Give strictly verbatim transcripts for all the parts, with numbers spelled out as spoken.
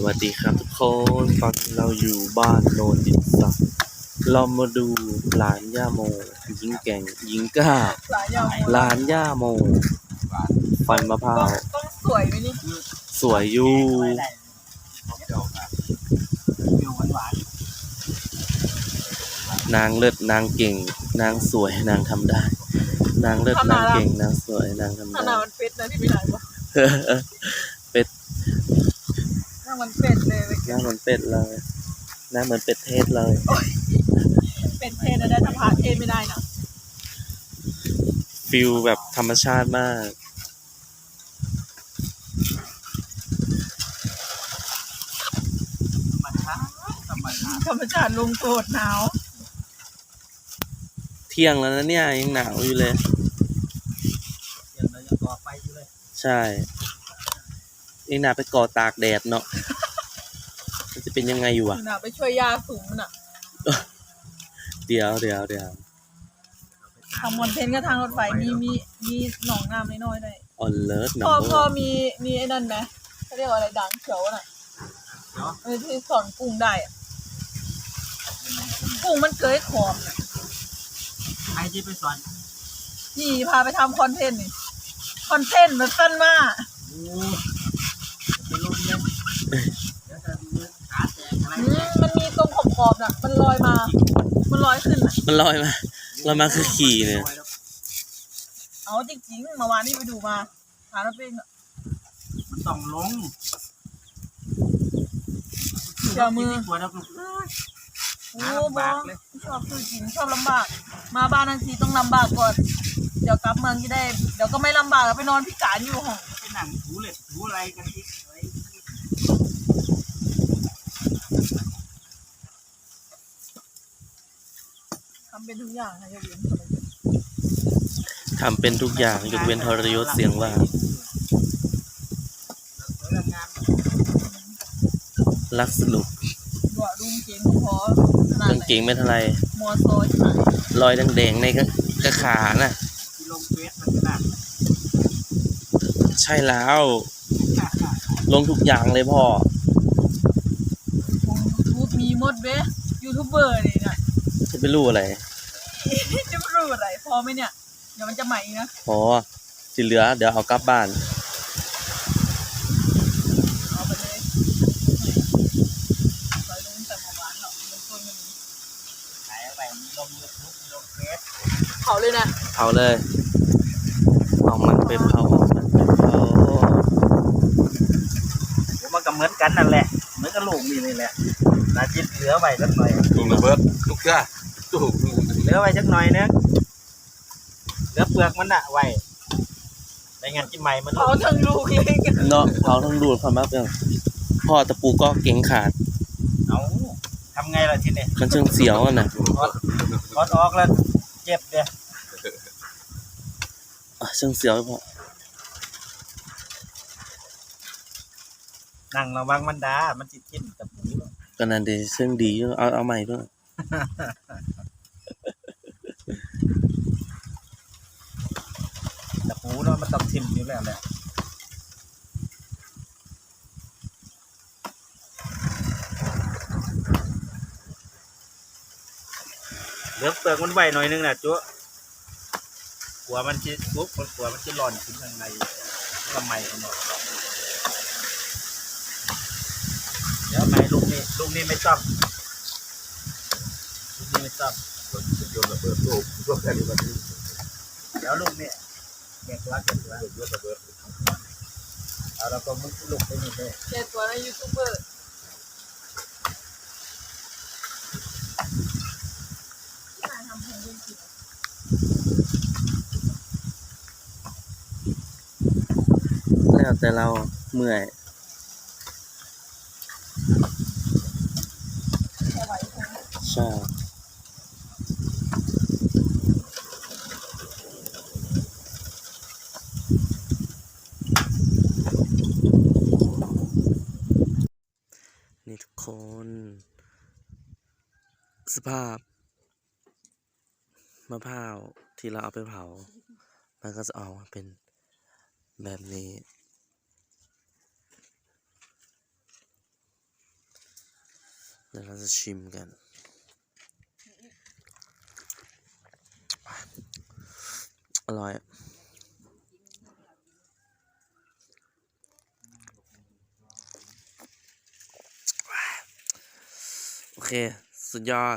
วัสดีครับทุกคนตอนนี้เราอยู่บ้านโนนดินสักเรามาดูหลานย่าโมหญิงแก่งหญิงกล้าหลานย่าโมฟันมะพร้าวต้องสวยไหมนี่สวยอยู่นางเลิศนางเก่งนางสวยนางทำได้นางเลิศนางเก่งนางสวยนางทำได้ขนาดมันเป็ดนะที่ไม่ไหนวะเป็ดหน้ามันเป็ดเลยหน้าเหมือนเป็ดเลยหน้าเหมือนเป็ดเทศเลยเป็ดเทศนะได้ทำผ่าเทศไม่ได้นะฟิลแบบธรรมชาติมากธรรมชาติลงโกรธหนาวเที่ยงแล้วนะเนี่ยยังหนาวอยู่เลยยังเรายังก่อไฟอยู่เลยใช่ยังหนาไปก่อตากแดดเนาะมันจะเป็นยังไงอยู่อ่ะหนาไปช่วยยาสูงมันอ่ะเดี๋ยวเดี๋ยวเดี๋ยวทำคอนเทนต์ก็ทางรถไฟมีมีมีหนองน้ำน้อยๆเลยออนเลิศหนพอองพอมีมีไอ้นั่นไหมเขาเรียกว่าอะไรด่างเขียวน่ะเออที่สอนกุ้งได้อ่ะกุ้งมันเกยขอบน่ะใครที่ไปสอนนี่พาไปทำคอนเทนต์นี่คอนเทนต์มันสั้นมากโอ้เป็นลมเลยเดี๋ยวจะมือขาแตกอะไรมันมีตรงขอบๆน่ะมันลอยมามันลอยขึ้นน่ะมันลอยมาลอยมาคือขี่เนี่ยเอาจริงๆเมื่อวานนี้ไปดูมาหาแล้วเป็นมันต้องลงเจ้ามือปวดแล้วโอ้บอชอบคือกินชอบลำบากมาบ้านทันทีต้องลำบากก่อนเดี๋ยวกลับเมืองจะได้เดี๋ยวก็ไม่ลำบากแล้วไปนอนพิการอยู่ห้องไปหนังถูเหล็กถูอะไรกันอีกอะไรทำเป็นทุกอย่างนะยกเว้นทำเป็นทุกอย่างยกเว้นทรยศเสียงว่ารักสนุกบ่ดุงเก่งพอกางเก่งไม่เท่าไรมัวโซ่ใช่รอยแดงๆในกระขาน่ะลงเฟซมันขนาดใช่แล้วลงทุกอย่างเลยพ่อยูทูบมีหมดเว้ยยูทูบเบอร์นี่นะจะไปรู้อะไรจะไม่รู้อะไรพอไหมเนี่ยเดี๋ยวมันจะใหม่นะพอที่เหลือเดี๋ยวเอากลับบ้านเอาไปเลยไปลงแต่เมื่อวานเนาะลงต้นมันขายอะไรมีลงยูทูบมีลงเฟซเผาเลยนะเผาเลยเอามันไปเผามันไปเผามันก็เหมือนกันนั่นแหละเหมือนกับลูกนี่นี่แหละนาจิตเหลือไว้สักหน่อยลูกระเบิดลูกจ้าลูกเหลือไว้สักหน่อยนึงเหลือเปลือกมันอะไว้ในงานกินใหม่มันเผาทั้งลูกเลยเนาะเผาทั้งดูดความรักอย่างพ่อตะปูก็เก่งขาดเอาทำไงล่ะทีนี้มันเชิงเสียวอ่ะนะถอดออกแล้วเจ็บเดียเชิงเสียวพ่อนั่งระวังมันดามันจิตจิ้มตะปูก็นั่นดีเชิงดีเอาเอาใหม่ด้วยตะปูเนาะมันต้องทิ่มอยู่แล้วแหละเหลือเปลือกมันไว้หน่อยนึงนะจ๊ะกลัวมันจะปุ๊บกลัวมันจะหล่อนขึ้นข้างในทำไมกันหมดเดี๋ยวไม่ลูกนี้ลูกนี้ไม่ต้องลูกนี้ไม่ต้องโยนระเบิดลูกลูกแค่นี้มันเดี๋ยวลูกนี้แกะตัวแกะตัวโยนระเบิดเอาเราก็มุดลูกไปนี่เลยแกตัวในยูทูบเบอร์แล้วแต่เราเมื่อยใช่นี่ทุกคนสภาพมะพร้าวที่เราเอาไปเผามันก็จะออกมาเป็นแบบนี้เดี๋ยวเราจะชิมกันอร่อยโอเคสุดยอด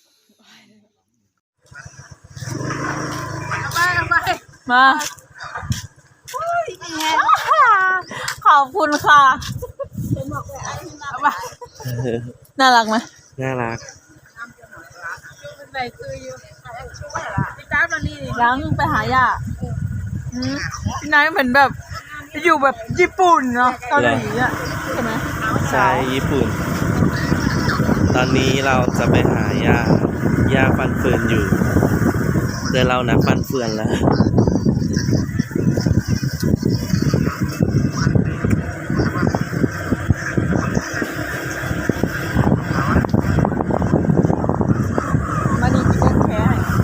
มาขอบคุณค่ะน่ารักไหมน่ารักยังไปหาย่าอืมนายเหมือนแบบอยู่แบบญี่ปุ่นเนาะเกาหลีอ่ะใช่ไหมใช่ญี่ปุ่น ตอนนี้เราจะไปหายาหญ้าฟันเฟือนอยู่แต่เรานักฟันเฟือนแล้วมาดีกินแค่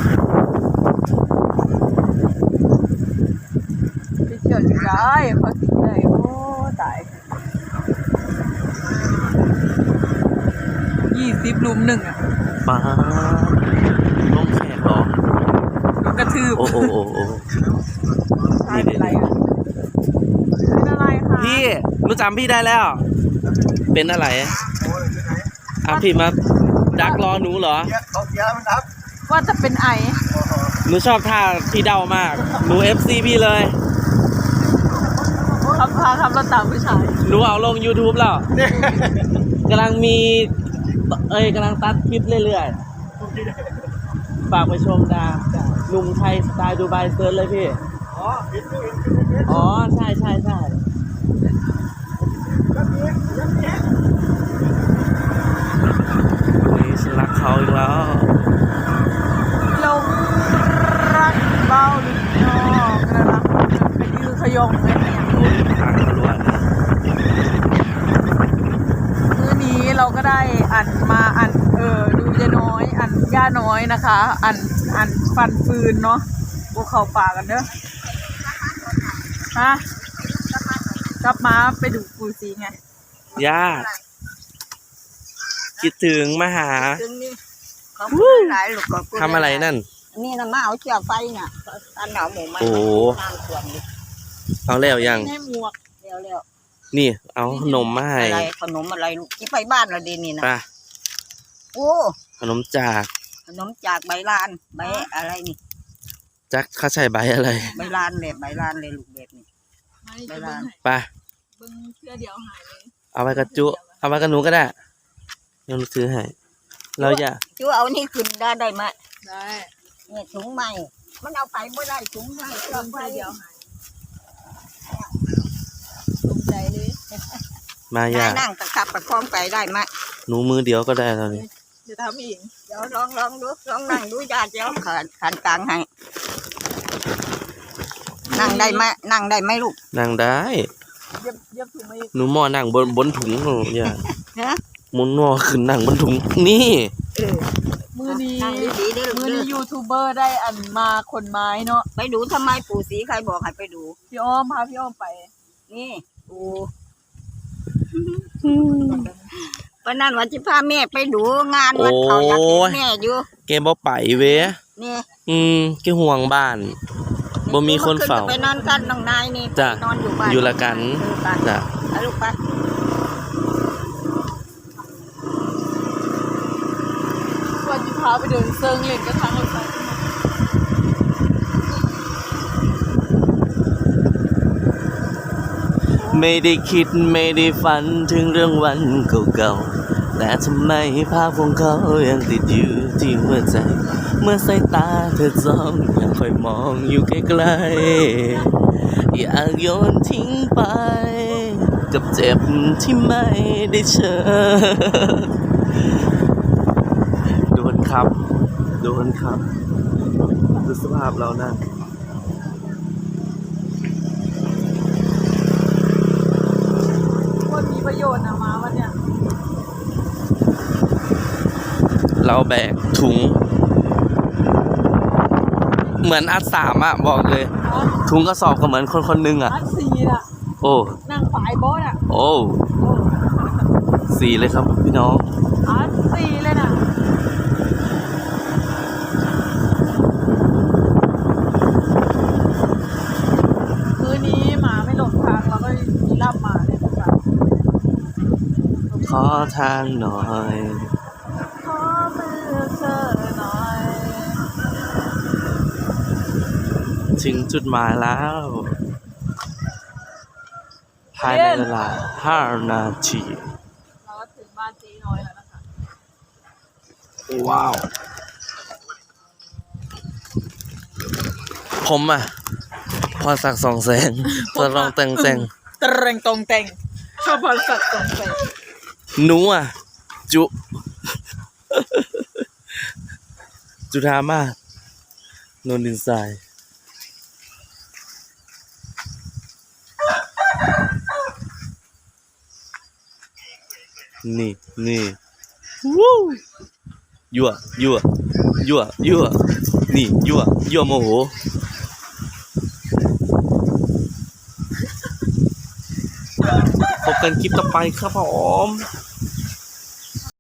ไปเที่ยวอยู่ได้พอสิได้โอ้ตายยี่สิบลุมหนึ่งอ่ะป้าลงแขกเหรอลุมกระทืบโอ้โอ้โอ้โอ้ใช่เป็นไรอ่ะเป็นอะไรคะพี่หนูจำพี่ได้แล้ว เป็นอะไรอ่ะพี่มาดักรอหนูเหรอเขาเสียมันครับว่าจะเป็นไอหนูชอบท่าพี่เดามาก หนูเอฟซีพี่เลยขับพาขับรถตามผู้ชายหนูเอาลง YouTube แล้วกำลังมี เอ้ยกำลังตัดคลิปเรื่อยๆ ฝากไปชมดาหนุ่มไทยสไตล์ดูไบเซิร์ชเลยพี่อ๋อเห็นดูเห็นเห็นอ๋อ ใช่ใช่ใช่เฮ้ยฉันรักเขาอีกแล้วลงรักเบาหรือนอกนะครับไปยือขยงเลยเนี่ยทางเขาล้วนมื้อนี้เราก็ได้อันมาอันเออดูยาน้อยอันย่าน้อยนะคะ อันอันฟันฟืนเนาะพวกเขาป่ากันเด้อฮะกลับมาไปดูปูซีไงย่า คิดถึงมาหาถึงนี่เขาพูดหลายลูกก็พูดทำอะไรนั่นนี่นะมาเอาเชือกไฟน่ะตานเอาหมูมาโอ้โหทางสวนนี่เอาแล้วยังให้หมวกเร็วเร็วนี่ เอาขนมมาให้อะไรขนมอะไรลูกที่ไปบ้านเราดีนี่นะไปโอ้ขนมจากขนมจากใบลานใบอะไรนี่จักเขาใช้ใบอะไรใบลานเลยใบลานเลยลูกเบ็ดนี่ไม่ไปจะร้านไปเบิ้งเสื้อเดียวหายเลยเอาไปกระจุ เอาไปกระหนูก็ได้เดี๋ยวหนูซื้อให้ เราอย่าจูเอานี่ขึ้นได้ได้ไหมได้เนี่ยถุงใหม่มันเอาไปไม่ได้ถุงใหม่เชืเบิ้อกงไฟเสื้อเดียวหายตกใจเลยมาอย่านายนั่งตะขับประคองไปได้ไหมหนูมือเดียวก็ได้ตอนนี้จะทำอีกเดี๋ยวลองลองดูลองนั่งดูญาติเดี๋ยวขันขันกลางให้นั่งได้ไหมนั่งได้ไหมลูกนั่งได้เย็บเย็บถุงมาอีกหนูหม้อนั่งบนบนถุงหนูอย่าฮะหมุนหม้อขึ้นนั่งบนถุง นี่เออมือนี้นั่งดีๆเด้อมือเด้นี้อยูทูบเบอร์ได้อันมาขนไม้เนาะไปดูทำไมปู่ศรีใครบอกให้ไปดูพี่อ้อมพาพี่อ้อมไปนี่ปูปนนั้นวันที่พาแม่ไปดูงานวันเขาอยากเห็นแม่อยู่เกมบ่ไปเว้ยนี่อืมแกห่วงบ้าน บ่มีคนเฝ้าไปนอนกันน้องนายนี่จ้ะนอนอยู่บ้านอยู่ละกันเออไปจ้ะไปลูกไปวันที่พาไปเดินเซิงเล่นกระทั่งรถไฟไม่ได้คิดไม่ได้ฝันถึงเรื่องวันเก่าๆแต่ทำไมภาพของเขายังติดอยู่ที่หัวใจ เมื่อสายตาเธอจ้องยังคอยมองอยู่ไกลๆอยากโยนทิ้งไป กับเจ็บที่ไม่ได้เจอโดนครับโดนครับดูสภาพเรานะคนมีประโยชน์นะมาวันเนี้ยเราแบกถุง เหมือนอัดสามอะบอกเลย ถุงกระสอบก็เหมือนคนคนหนึงอะอันซีน่ะโอ้นั่งฝ่ายบอสอ่ะโอ้โอ้สี่เลยครับพี่น้องอ๋อสี่เลยนะคืนนี้หมาไม่หลงทางเราก็มีลาบหมาเลยนะคะขอทางหน่อยขอมือเธอหน่อยถึงจุดหมายแล้ว ภายในเวลาห้านาทีเราก็ถึงบ้านจีน้อยแล้วนะคะว้าว ผมอ่ะ พอสักสองแสนจะลองแต่งแต่งตะเรงตรงแต่งข้าวพันสัตว์ตรงแต่งหนูอ่ะ จุ จุธามาศนนดินทราย นี่นี่วู้ยั่วยั่วยั่วยั่วนี่ยั่วยั่วโมโหพบกันคลิปต่อไปครับผม